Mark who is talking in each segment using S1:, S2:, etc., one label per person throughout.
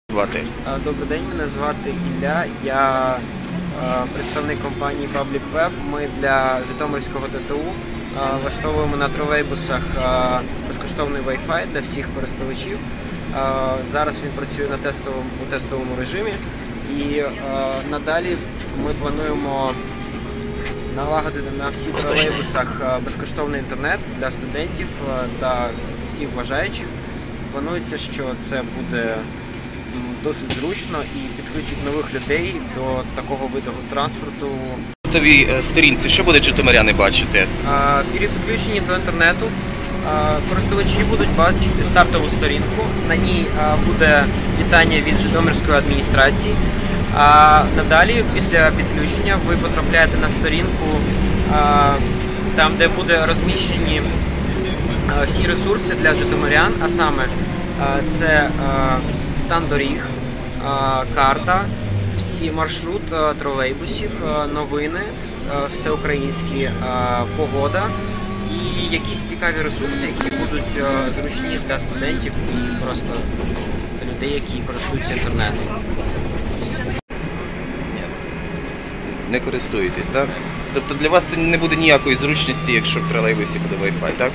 S1: Добрий день, мене звати Ілля, я представник компанії Public Web. Ми для Житомирського ТТУ влаштовуємо на тролейбусах безкоштовний Wi-Fi для всіх користувачів. Зараз він працює у тестовому режимі і надалі ми плануємо налагодити на всіх тролейбусах безкоштовний інтернет для студентів та всіх бажаючих. Планується, що це буде досить зручно і підключить нових людей до такого виду транспорту.
S2: На твоїй сторінці що будуть житомиряни бачити?
S1: При підключенні до інтернету користувачі будуть бачити стартову сторінку. На ній буде вітання від Житомирської адміністрації. А надалі, після підключення, ви потрапляєте на сторінку, там, де буде розміщені всі ресурси для житомирян, а саме це стан доріг, карта, всі маршрут тролейбусів, новини, всеукраїнські, погода і якісь цікаві ресурси, які будуть зручні для студентів і просто людей, які користуються інтернетом.
S2: Не користуєтесь, так? Тобто для вас це не буде ніякої зручності, якщо в тролейбусі буде Wi-Fi, так?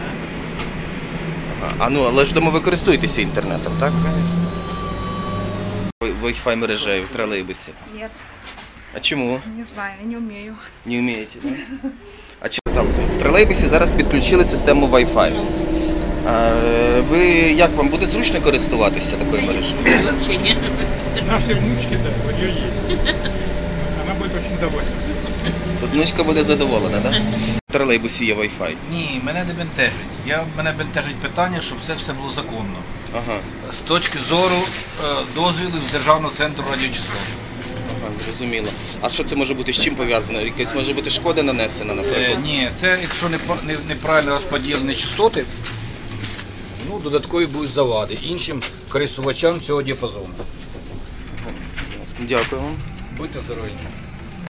S2: Але ж дома ви користуєтеся інтернетом, так? Wi-Fi мережею в тролейбусі?
S3: Нет.
S2: А чому?
S3: Не знаю, я не умею.
S2: Не вмієте, так? А в тролейбусі зараз підключили систему Wi-Fi. Ви, як вам, буде зручно користуватися такою мережею?
S4: Вообще нет.
S5: Наши внучки, да, у нее есть. Она будет очень довольна.
S2: Тут внучка буде задоволена, так? В тролейбусі є Wi-Fi.
S6: Ні, мене не бентежить. Мене бентежить питання, щоб це все було законно.
S2: Ага.
S6: З точки зору дозвілу з Державного центру радіочастот.
S2: Ага, зрозуміло. А що це може бути, з чим пов'язано? Якась може бути шкода нанесена, наприклад?
S6: Ні, це якщо неправильно розподілені частоти, додаткові будуть завади іншим користувачам цього діапазону.
S2: Дякую вам.
S6: Будьте здорові.